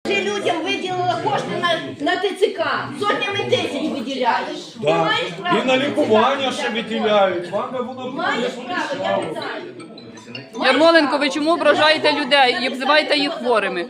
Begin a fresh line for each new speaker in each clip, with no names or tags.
Людям виділила кошти на ТЦК, сотнями тисяч виділяєш. Ти
Да.
маєш право?
І на лікування ще виділяють. Вам би воно
Маєш право, я питаю.
Ярмоленко, ви чому ображаєте людей і обзиваєте їх хворими?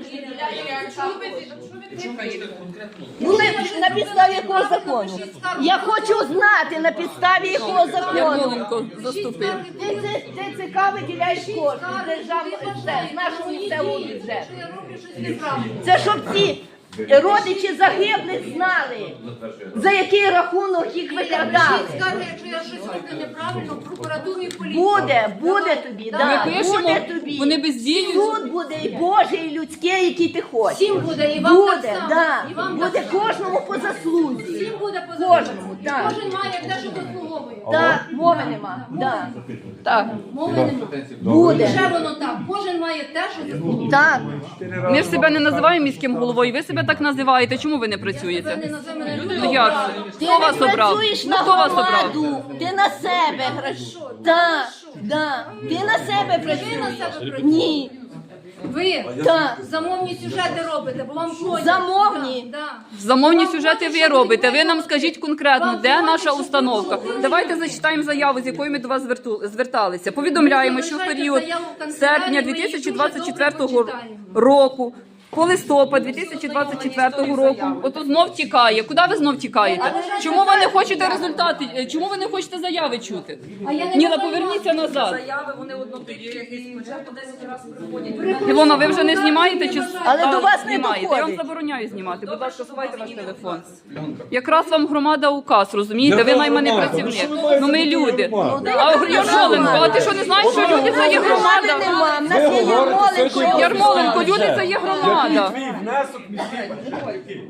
Ну, на підставі якого закону? Я хочу знати, на підставі якого закону.
Ярмоленко, заступив.
ТЦК виділяєш кошти з державного бюджету, з нашого місцевого бюджету. Це щоб ці родичі загиблих знали, за який рахунок їх викрадали.
Скарги, якщо я щось роблю неправильно, в прокуратуру і в поліцію.
Буде тобі, да,
Ми пишемо,
буде тобі.
вони бездіють.
Суд буде і Божий, і людський, який ти хочеш.
Всім буде, і вам так
Буде,
само.
да.
І вам
Буде
так само.
кожному по заслузі.
Всім буде по
Кожному,
закону.
так.
Кожен має те, що заслуговує.
Так, мови нема. Да.
Так.
Мови нема.
Буде.
Ще воно так. Кожен має те, що заслуговує.
Так.
Ми ж себе не називаємо міським головою, ви себе так називаєте. Чому ви не
Це
працюєте?
не називає мене
Ну
людьою.
як?
Ти
Хто вас
не
обрав?
працюєш
Ну,
на
хто вас обрав?
громаду, ти на себе граш. Так, да. Ти на себе
Ви на
працюєш.
себе працюєте.
Ні.
Ви
Так.
замовні сюжети робите, бо вам ходять.
Замовні?
Да.
Замовні сюжети ви робите. Ви нам скажіть конкретно, де наша установка. Давайте зачитаємо заяву, з якою ми до вас зверталися. Повідомляємо, що в період серпня 2024 року по листопад 2024 року, ото знов тікає. Куди ви знов тікаєте? Чому ви не хочете результати? Чому ви не хочете заяви чути? Ніла, поверніться назад.
Заяви вони по 10 разів приходять.
Ілона, ви вже не знімаєте чи
Але до вас не
знімаєте? Я вам
доходить.
забороняю знімати. Будь ласка, сховайте ваш телефон. Якраз вам громада указ, розумієте? Ви найманий працівник. Ну ми люди. А Ярмоленко, а ти що не знаєш, що люди це є
Громади
громада?
нема, в нас є Ярмоленко.
Ярмоленко, люди це є громада.
Твій внесок міський.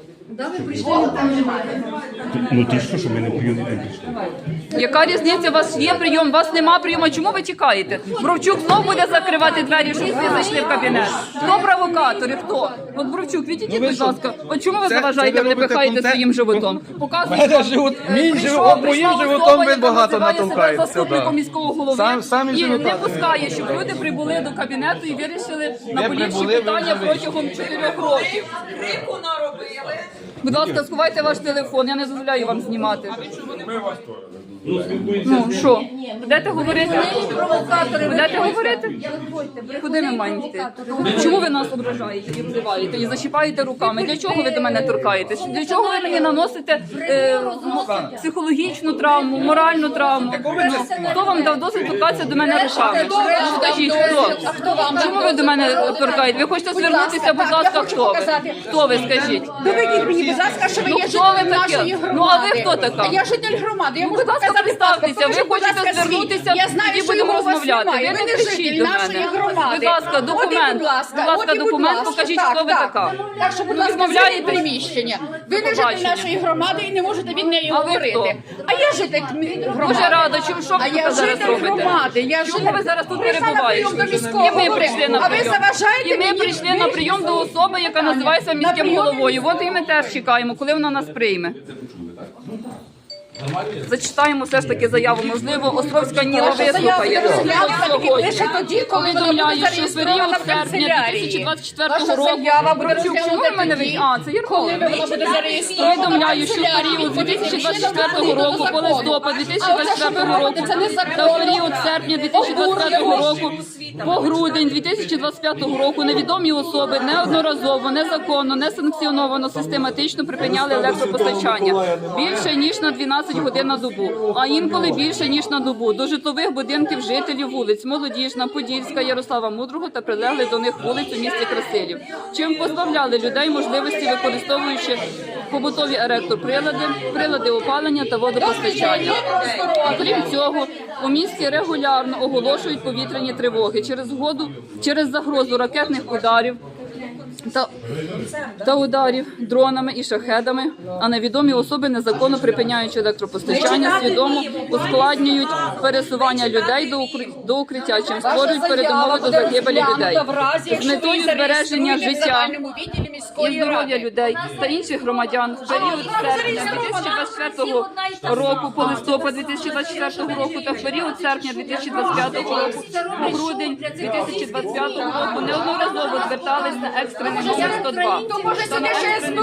Ну ти що ми не прийом не прийшли?
Яка різниця? У вас є прийом, у вас нема прийому. Чому ви тікаєте? Бровчук знов буде закривати двері, щоб ви зайшли в кабінет. Хто провокатори? Хто? От Бровчук, відійдіть, будь ласка. От чому ви заважаєте, не пихаєте своїм животом? Показуйте,
моїм животом ви багато натовкаєте.
заступником міського голови
Самі
і
живота.
не пускає, щоб люди прибули до кабінету і вирішили наболівші
прибули, ви
питання
вже
протягом 4 років.
Крику наробили.
Будь ласка, сховайте ваш телефон, я не дозволяю вам знімати.
Ми вас теж.
Ну що, будете говорити? Будете говорити? Куди ми маємо йти? Чому ви нас ображаєте і обзиваєте, і зачіпаєте руками? Для чого ви до мене торкаєтесь? Для чого ви мені наносите психологічну травму, моральну травму? Хто вам дав досвід торкатися до мене руками? Скажіть, хто? Чому ви до мене торкаєте? Ви хочете звернутися, будь ласка, хто ви? Хто ви, скажіть?
Доведіть мені, будь ласка, що ви
Ну,
є
хто ви
жителем
таке?
нашої
Ну,
громади.
а ви хто така?
Я житель громади, я можу
Будь ласка,
показати
представтеся.
паспорт.
Ви
Покажіть, будь
хочете
ласка, свій.
звернутися,
Я знаю,
тоді
що
будемо
його у вас
розмовляти.
немає.
Ви
Ви
не
не
кричіть
житель
до
нашої
мене.
громади.
Будь ласка,
От і,
документ.
будь ласка,
Будь ласка,
от і, будь
документ,
ласка.
покажіть,
Так,
хто ви
так.
така.
Так що, будь
Ну,
ласка,
відмовляєте?
зайдіть приміщення. Ви не
Побачення.
житель нашої громади і не можете від неї
А ви
говорити.
хто?
А я житель громади.
Дуже рада, що
А
ви
я
тут зараз
житель
робите?
громади. Я
Чому ви зараз тут
Прийшла на
перебуваєте?
прийом до міського
І ми
голови.
прийшли на
А ви
прийом.
заважаєте
І ми
мені
прийшли на прийом до особи, яка називається міським
прийом
головою. От і ми теж чекаємо, коли вона нас прийме. Зачитаємо все ж таки заяву. Можливо, Островська Ніла вислухає.
Лише тоді, коли вона буде
Повідомляю, що в
зареєстрована
період
в
серпня
канцелярії.
2024
Ваша
року
заява буде
Бровчук, чому ви мене
тоді,
А, це
коли
Ярмоленко.
вона буде зареєстрована в
Повідомляю, що в
канцелярії.
період 2024 року по листопад 2024 року та в період серпня 2025 року по грудень 2025 року невідомі особи неодноразово, незаконно, несанкціоновано, систематично припиняли електропостачання більше ніж на 12 годин на добу, а інколи більше ніж на добу до житлових будинків жителів вулиць Молодіжна, Подільська, Ярослава Мудрого та прилеглих до них вулиць у місті Красилів, чим позбавляли людей можливості, використовуючи побутові електроприлади опалення та водопостачання. Окрім цього, у місті регулярно оголошують повітряні тривоги через загрозу ракетних ударів та ударів дронами і шахедами, а невідомі особи, незаконно припиняючи електропостачання, свідомо ускладнюють пересування людей до укриття, чим створюють передумови до загибелі людей. З метою збереження життя і здоров'я людей та інших громадян в період серпня 2024 року по листопад 2024 року та в період серпня 2025 року по грудень 2025 року неодноразово звертались на екстрений номер 102.
То може сюди ще